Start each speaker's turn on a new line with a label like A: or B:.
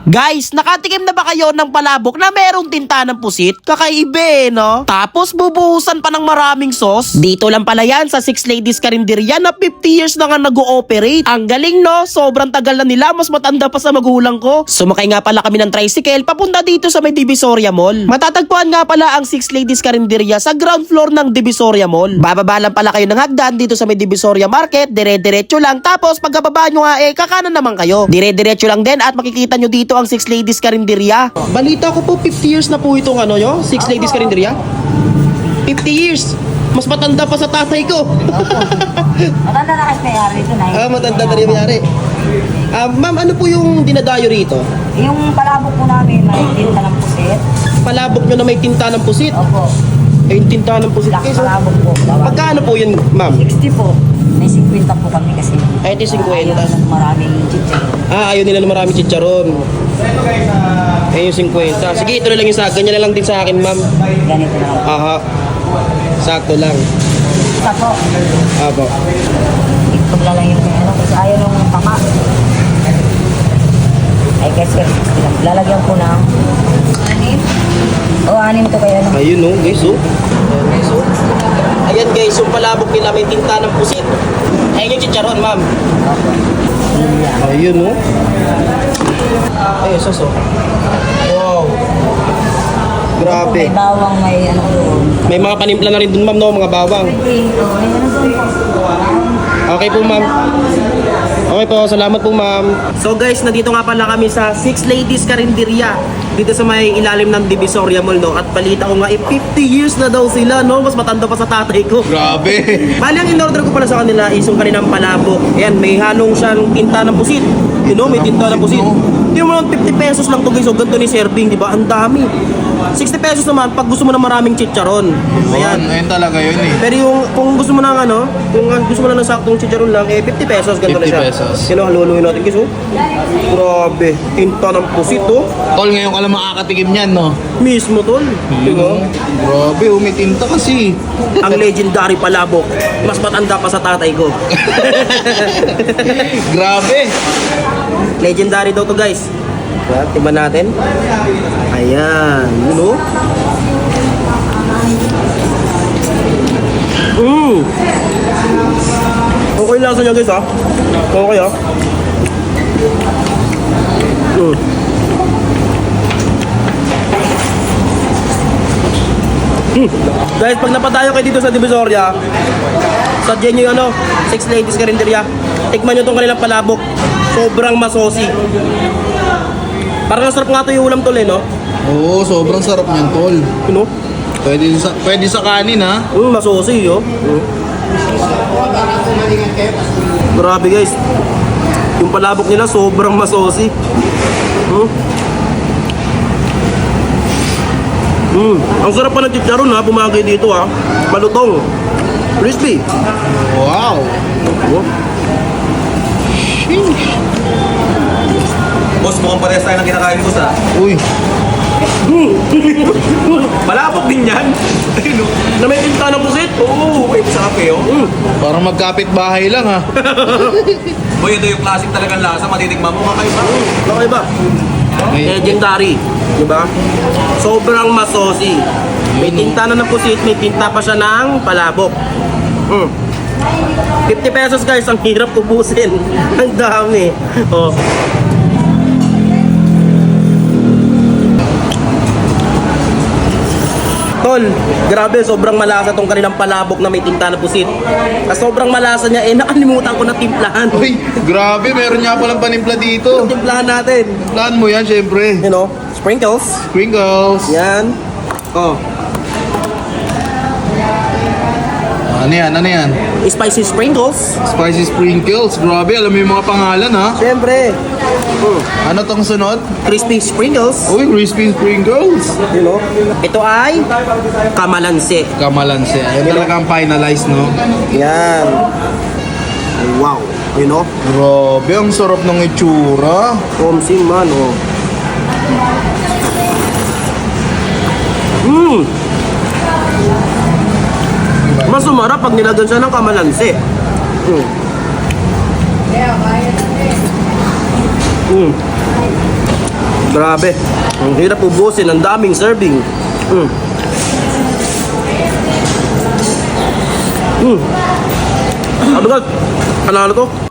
A: Guys, nakatikim na ba kayo ng palabok na merong tinta ng pusit? Kakaiba no? Tapos bubuhusan pa ng maraming sauce? Dito lang pala yan sa Six Ladies Carinderia na 50 years na nga nag-ooperate. Ang galing no? Sobrang tagal na nila, mas matanda pa sa magulang ko. Sumakay nga pala kami ng tricycle papunta dito sa may Divisoria Mall. Matatagpuan nga pala ang Six Ladies Carinderia sa ground floor ng Divisoria Mall. Bababa lang pala kayo ng hagdan dito sa may Divisoria Market, dire-diretso lang. Tapos pagkababa nyo nga kakanan naman kayo. Dire-diretso lang din at makikita nyo dito ang Six Ladies Carinderia. Balita ko po 50 years na po itong Six Ladies Carinderia. 50 years. Mas matanda pa sa tatay ko.
B: Matanda na kasi may-ari dito na.
A: Matanda na rin may-ari. Ma'am, ano po yung dinadayo rito?
B: Yung palabok po namin, may tinta ng pusit.
A: Palabok nyo na may tinta ng pusit?
B: Opo.
A: Yung tinta ng pusit.
B: Black
A: So,
B: palabok po.
A: pagkano po yun, ma'am?
B: 60 po. May 50 po kami kasi.
A: Ay, ito 50.
B: Ayaw ng maraming chichar.
A: Ayaw nila ng marami chicharon. Ayun yung 50. Sige, ito na lang yung sa ganyan na lang din sa akin, ma'am.
B: Ganito na lang.
A: Aha. Sakto lang.
B: Isa po.
A: Apo.
B: Itugla lang yung kasi ayaw nung tama. Ay guys, 60 lang. Lalagyan ko ng 6. O, 6 to kayo.
A: Ayun no, guys, oh. Ayan, guys, oh. Ayan guys, yung palabok nila may tinta ng pusit. Ayun yung chicharon, ma'am. Ayun no. Ayun, sos, oh. Wow. Grabe.
B: May bawang, may ano doon.
A: May mga panimpla na rin dun, ma'am, no? Mga bawang.
B: May ano doon po.
A: Okay po, ma'am. Okay po, salamat po, ma'am. So guys, nandito nga pala kami sa Six Ladies Carinderia. Dito sa may ilalim ng Divisoria Mall, no? At balita ko nga, 50 years na daw sila, no? Mas matanda pa sa tatay ko.
C: Grabe.
A: Bali, ang in-order ko pala sa kanila is yung kaninang palabok. Ayan, may halong siyang tinta ng pusit. You know, may tinta ng pusit. Yung mga 50 pesos lang to guys. So, ganito ni serving, di ba? Ang dami. 60 pesos naman pag gusto mo ng maraming chicharon. Ayan.
C: Ayun talaga yun eh.
A: Pero yung kung gusto mo ng kung gusto mo lang ng saktong chicharon lang, 50 pesos ganito na
C: 50
A: siya.
C: pesos.
A: Sino haluluin natin guys, oh. Grabe, tinta ng pusit, oh.
C: Tol, ngayon ka lang makakatikim niyan, no?
A: Mismo, tol. Diba?
C: Grabe, umitinta kasi.
A: Ang legendary palabok. Mas matanda pa sa tatay ko.
C: Grabe.
A: Legendary daw to, guys. Diba? Tiba natin. Ayan, you know? Okay lang sa niya, guys, ha? Okay, ha? Guys, pag napadayo kayo dito sa Divisoria, sadyan nyo yung Six Ladies Carinderia. Tikman nyo itong kanilang palabok. Sobrang masosi. Parang nasarap nga ito yung ulam tol, no?
C: Oo, sobrang sarap niyan, tol.
A: You know?
C: Pwede sa kanin, ha?
A: Masosi, yo. Grabe, guys. Yung palabok nila, sobrang masosi. Ang sarap pa ng chicharon, ha? Pumagay dito, ha? Malutong. Crispy.
C: Wow.
A: Oh.
D: Boss, mukhang parehas tayo ng kinakain ko sa
C: Uy.
D: malapok din yan. Ayun, oh.
A: Na may tinta ng pusit?
D: Oo, wait, sarap eh, oh.
C: Parang magkapit bahay lang, ha?
D: Boy, ito yung classic talagang lasa, matitikman mo kakaiba.
A: Okay ba? Legendary. Diba? Sobrang masosi. May tinta na ng pusit, may tinta pa siya ng palabok. 50 pesos guys, ang hirap ubusin. Ang dami. Oh. Tol, grabe, sobrang malasa tong kanilang palabok na may tinta na pusit. At sobrang malasa niya, nakalimutan ko na timplahan.
C: Uy, grabe, meron niya palang panimpla dito.
A: Timplahan natin.
C: Plan mo yan, syempre.
A: You know, sprinkles.
C: Sprinkles.
A: Yan. Oh.
C: Ano yan, ano yan?
A: Spicy sprinkles.
C: Spicy sprinkles. Grabe, alam mo yung mga pangalan, ha?
A: Siyempre.
C: Ano tong sunod?
A: Crispy sprinkles.
C: Uy, crispy sprinkles.
A: You know? Ito ay kamalansi.
C: Kamalansi. Ayun talagang finalized, no?
A: Yan. Wow. You know?
C: Grabe, ang sarap ng itsura.
A: Komsim man, oh. Mas sumarap pag nilagyan siya ng kamalansi.
E: Grabe. Ang hirap ubusin. Ang daming serving. Ano ba? Ano to?